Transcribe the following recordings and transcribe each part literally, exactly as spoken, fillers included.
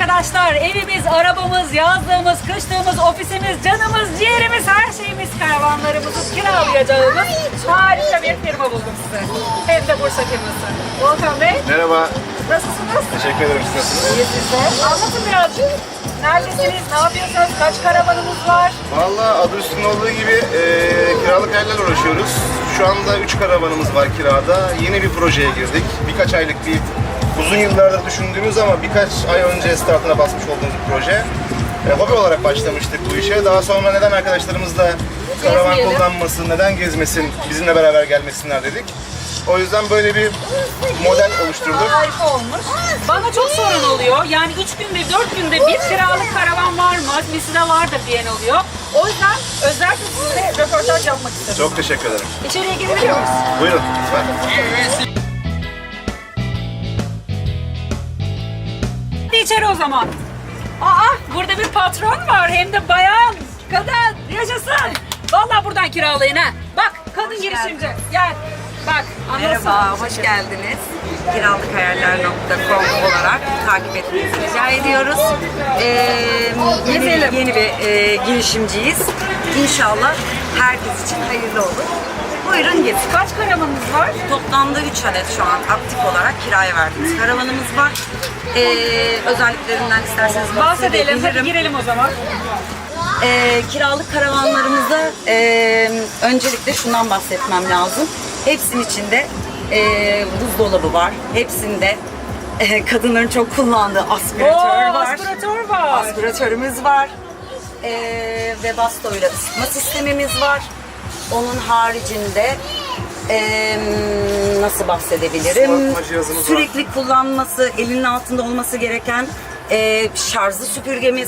arkadaşlar, evimiz, arabamız, yazlığımız, kışlığımız, ofisimiz, canımız, ciğerimiz, her şeyimiz, karavanlarımızı kiralayacağımız harika bir firma buldum size. Hem de Bursa firması. Volkan Bey, Merhaba, nasılsınız? teşekkür ederim. Siz nasılsınız? İyi siz de. Anlatın birazcık. Neredesiniz, ne yapıyorsunuz, kaç karavanınız var? Valla adı üstünde olduğu gibi e, kiralık yerlerle uğraşıyoruz. Şu anda üç karavanımız var kirada. Yeni bir projeye girdik. Birkaç aylık bir, uzun yıllardır düşündüğümüz ama birkaç ay önce startına basmış olduğumuz bir proje. E, hobi olarak başlamıştık bu işe. Daha sonra neden arkadaşlarımızla karavan Gezmeyelim. kullanmasın, neden gezmesin, bizimle beraber gelmesinler dedik. O yüzden böyle bir model oluşturduk. Harika olmuş. Bana çok sorun oluyor. Yani üç günde, dört günde bir kiralık karavan var mı? Bizde vardır diyen oluyor. O yüzden özellikle sizinle röportaj yapmak istedim. Çok teşekkür ederim. İçeriye girebiliyor muyuz? Buyurun lütfen. Hadi içeri o zaman. Aa, burada bir patron var. Hem de bayan, kadın, yaşasın. Vallahi buradan kiralayın ha. Bak, kadın girişimci. Gel. Bak, anlasın. Merhaba, hoş geldiniz. kiralıkhayaller nokta com olarak takip etmenizi rica ediyoruz. Ee, yeni, Gezelim. yeni bir e, girişimciyiz. İnşallah herkes için hayırlı olur. Buyurun gezin. Kaç karavanınız var? Toplamda üç adet şu an aktif olarak kiraya verdiğimiz karavanımız var. Ee, özelliklerinden isterseniz Bahsedelim. Hadi bahsedebilirim. girelim o zaman. Ee, kiralık karavanlarımızda e, öncelikle şundan bahsetmem lazım. Hepsinin içinde e, buzdolabı var. Hepsinde e, kadınların çok kullandığı aspiratör Oo, var. aspiratör var. Aspiratörümüz var. E, ve bastoyla ısıtma sistemimiz var. Onun haricinde e, nasıl bahsedebilirim? Soğutma cihazımız var. Sürekli kullanması, elinin altında olması gereken e, şarjlı süpürgemiz,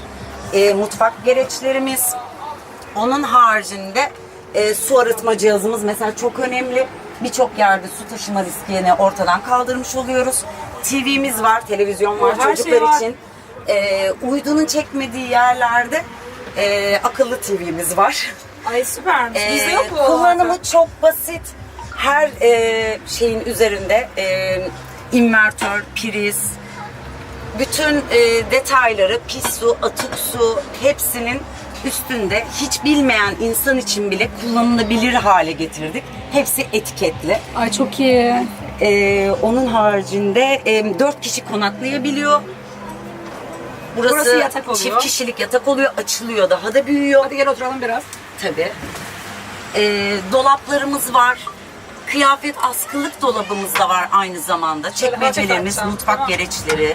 e, mutfak gereçlerimiz. Onun haricinde e, su arıtma cihazımız mesela çok önemli. Birçok yerde su taşıma riskini ortadan kaldırmış oluyoruz. T V'miz var, televizyon var O, her çocuklar şey var. için. E, uydunun çekmediği yerlerde e, akıllı T V'miz var. Ay süpermiş. E, Bizde yok bu. kullanımı çok basit. Her e, şeyin üzerinde e, invertör, priz, bütün e, detayları, pis su, atık su hepsinin üstünde, hiç bilmeyen insan için bile kullanılabilir hale getirdik. Hepsi etiketli. Ay çok iyi. E, onun haricinde e, dört kişi konaklayabiliyor. Burası, Burası yatak oluyor. çift kişilik yatak oluyor, açılıyor, daha da büyüyor. Hadi gel oturalım biraz. Tabii. E, dolaplarımız var. Kıyafet askılık dolabımız da var aynı zamanda. Çekmecelerimiz, hafif mutfak tamam. gereçleri,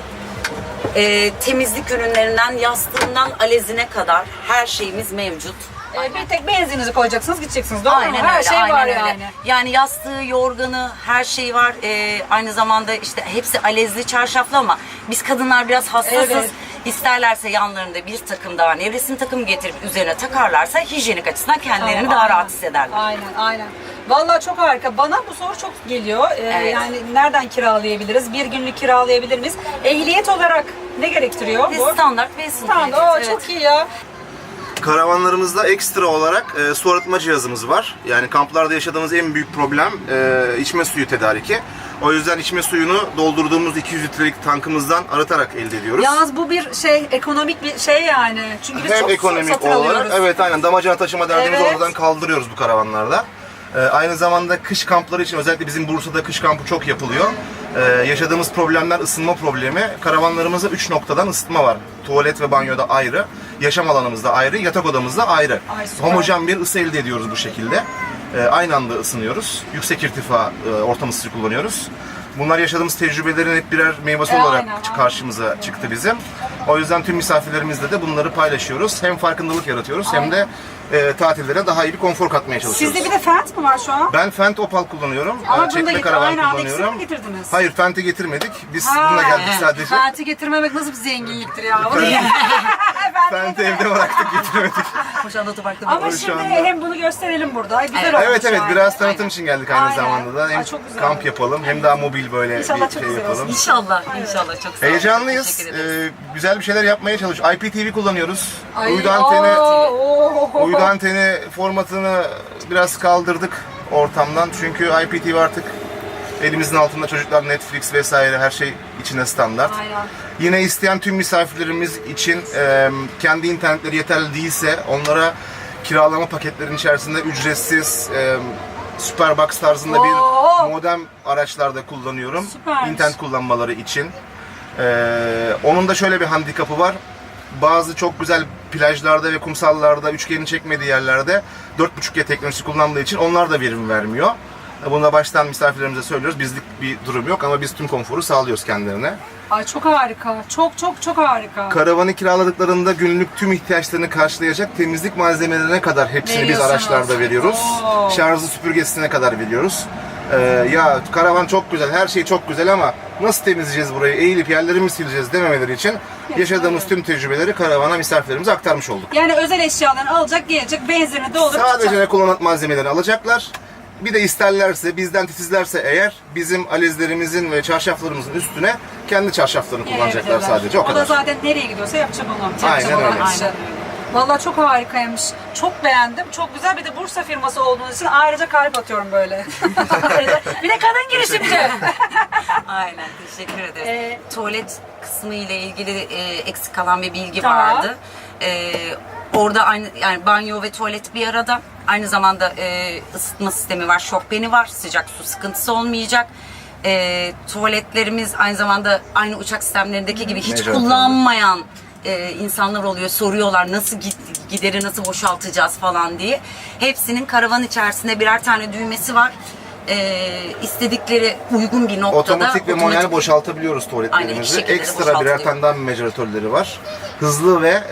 e, temizlik ürünlerinden, yastığından alezine kadar her şeyimiz mevcut. Ee, bir tek benzininizi koyacaksınız, gideceksiniz. Doğru mu? Aynen Her öyle, şey aynen var öyle. yani. Yani yastığı, yorganı, her şey var. E, aynı zamanda işte hepsi alezli, çarşaflı ama biz kadınlar biraz hassasız. Evet. İsterlerse yanlarında bir takım daha nevresim takım getirip üzerine takarlarsa hijyenik açısından kendilerini Tamam, daha aynen. rahat hissederler. Aynen, aynen. Vallahi çok harika. Bana bu soru çok geliyor. Ee, Evet. Yani nereden kiralayabiliriz? Bir günlük kiralayabilir miyiz? Ehliyet olarak ne gerektiriyor Ve bu? standart ve sınıf Tamam, ehliyeti, o evet. çok iyi ya. Karavanlarımızda ekstra olarak e, su arıtma cihazımız var. Yani kamplarda yaşadığımız en büyük problem e, içme suyu tedariki. O yüzden içme suyunu doldurduğumuz iki yüz litrelik tankımızdan arıtarak elde ediyoruz. Yalnız bu bir şey, ekonomik bir şey yani. Çünkü biz Hem çok su ekonomik satın olarak, alıyoruz. evet aynen damacana taşıma derdimizi Evet. oradan kaldırıyoruz bu karavanlarda. Ee, aynı zamanda kış kampları için özellikle bizim Bursa'da kış kampı çok yapılıyor. Ee, yaşadığımız problemler ısınma problemi. Karavanlarımızda üç noktadan ısıtma var. Tuvalet ve banyoda ayrı, yaşam alanımızda ayrı, yatak odamızda ayrı. Ay, süper. Homojen bir ısı elde ediyoruz bu şekilde. Ee, aynı anda ısınıyoruz. Yüksek irtifa e, ortam ısısı kullanıyoruz. Bunlar yaşadığımız tecrübelerin hep birer meyvesi E, olarak aynen, aynen. karşımıza çıktı bizim. O yüzden tüm misafirlerimizle de bunları paylaşıyoruz. Hem farkındalık yaratıyoruz hem de e, tatillere daha iyi bir konfor katmaya çalışıyoruz. Sizde bir de Fent mi var şu an? Ben Fendt Opal kullanıyorum. Ama Ee, bunu da Çekme getir- karavan aynı anda kullanıyorum. ikisini mi getirdiniz? Hayır, Fendt'i getirmedik. Biz Ha. bununla geldik sadece. Fent'i getirmemek nasıl bir zenginliktir ya? Fendt'i evde bıraktık, getiremedik. Boşandı otoparkta Ama Şu şimdi anda- hem bunu gösterelim burada. Güzel Evet. olmuş Evet evet, yani. biraz tanıtım için geldik aynı Aynen. zamanda da. Hem Ay, çok güzel kamp oldu. yapalım hem daha mobil böyle İnşallah bir çok şey güzel yapalım. olsun. İnşallah, inşallah çok sağ olun. Heyecanlıyız. Teşekkür ederiz. Ee, güzel bir şeyler yapmaya çalışıyoruz. I P T V kullanıyoruz. Ay, Uydu anteni, oo, oo. uydu anteni formatını biraz kaldırdık ortamdan. Çünkü I P T V artık elimizin altında, çocuklar Netflix vesaire her şey içine standart. Aynen. Yine isteyen tüm misafirlerimiz için e, kendi internetleri yeterli değilse onlara kiralama paketlerinin içerisinde ücretsiz e, Superbox tarzında Oo. bir modem araçlarda kullanıyorum. Süpermiş. İnternet kullanmaları için. E, onun da şöyle bir handikapı var. Bazı çok güzel plajlarda ve kumsallarda, üçgenin çekmediği yerlerde dört buçuk G teknolojisi kullandığı için onlar da verim vermiyor. Bunu da baştan misafirlerimize söylüyoruz. Bizlik bir durum yok ama biz tüm konforu sağlıyoruz kendilerine. Ay çok harika. Çok çok çok harika. Karavanı kiraladıklarında günlük tüm ihtiyaçlarını karşılayacak temizlik malzemelerine kadar hepsini biz Veriyorsunuz. araçlarda veriyoruz. Oo. Şarjlı süpürgesine kadar veriyoruz. Ee, ya karavan çok güzel, her şey çok güzel ama nasıl temizleyeceğiz burayı, eğilip yerleri mi sileceğiz dememeleri için yaşadığımız tüm tecrübeleri karavana misafirlerimize aktarmış olduk. Yani özel eşyalarını alacak, gelecek, benzerini doldurup Sadece çıkacak. ne kullanılan malzemelerini alacaklar. Bir de isterlerse, bizden titizlerse eğer bizim alizlerimizin ve çarşaflarımızın üstüne kendi çarşaflarını kullanacaklar Yiyebilirler. sadece. O O kadar. da zaten nereye gidiyorsa yapacak onu. Yapacak Aynen olan öyle. işi. Vallahi çok harikaymış. Çok beğendim. Çok güzel. Bir de Bursa firması olduğunuz için ayrıca kalp atıyorum böyle. Bir de kadın girişimci. Aynen, teşekkür ederiz. Ee, Tuvalet kısmı ile ilgili e, eksik kalan bir bilgi Tamam. vardı. E, orada aynı, yani banyo ve tuvalet bir arada. Aynı zamanda e, ısıtma sistemi var, şofbeni var, sıcak su sıkıntısı olmayacak. E, tuvaletlerimiz aynı zamanda aynı uçak sistemlerindeki gibi hiç Mecra kullanmayan e, insanlar oluyor. Soruyorlar nasıl gid- gideri nasıl boşaltacağız falan diye. Hepsinin karavan içerisinde birer tane düğmesi var. E, istedikleri uygun bir noktada Otomatik ve manuel boşaltabiliyoruz Aynen, iki tuvaletlerimizi. şekilde de Ekstra birer boşaltılıyor. tane daha mecaratörleri var. Hızlı ve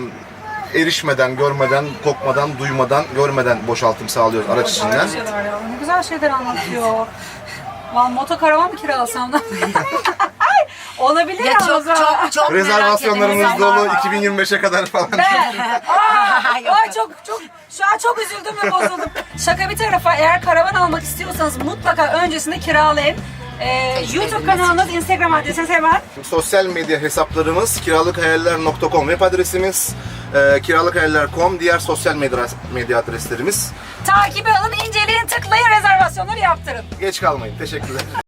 e, erişmeden, görmeden, kokmadan, duymadan, görmeden boşaltım sağlıyoruz araç içinden. Güzel şeyler ya. Ne güzel şeyler anlatıyor. Vallahi motokaravan mı kiralasam da? Olabilir Ya ya. çok çok çok Rezervasyonlarımız merak dolu edilen iki bin yirmi beşe kadar falan. Ben. Aa, ay çok çok şu an çok üzüldüm ve bozuldum. Şaka bir tarafa, eğer karavan almak istiyorsanız mutlaka öncesinde kiralayın. Ee, YouTube kanalınız, Instagram adresiniz hemen. Sosyal medya hesaplarımız kiralıkhayaller nokta com web adresimiz, e, kiralıkhayaller nokta com diğer sosyal medya, medya adreslerimiz. Takibi alın, inceleyin, tıklayın, rezervasyonları yaptırın. Geç kalmayın. Teşekkürler.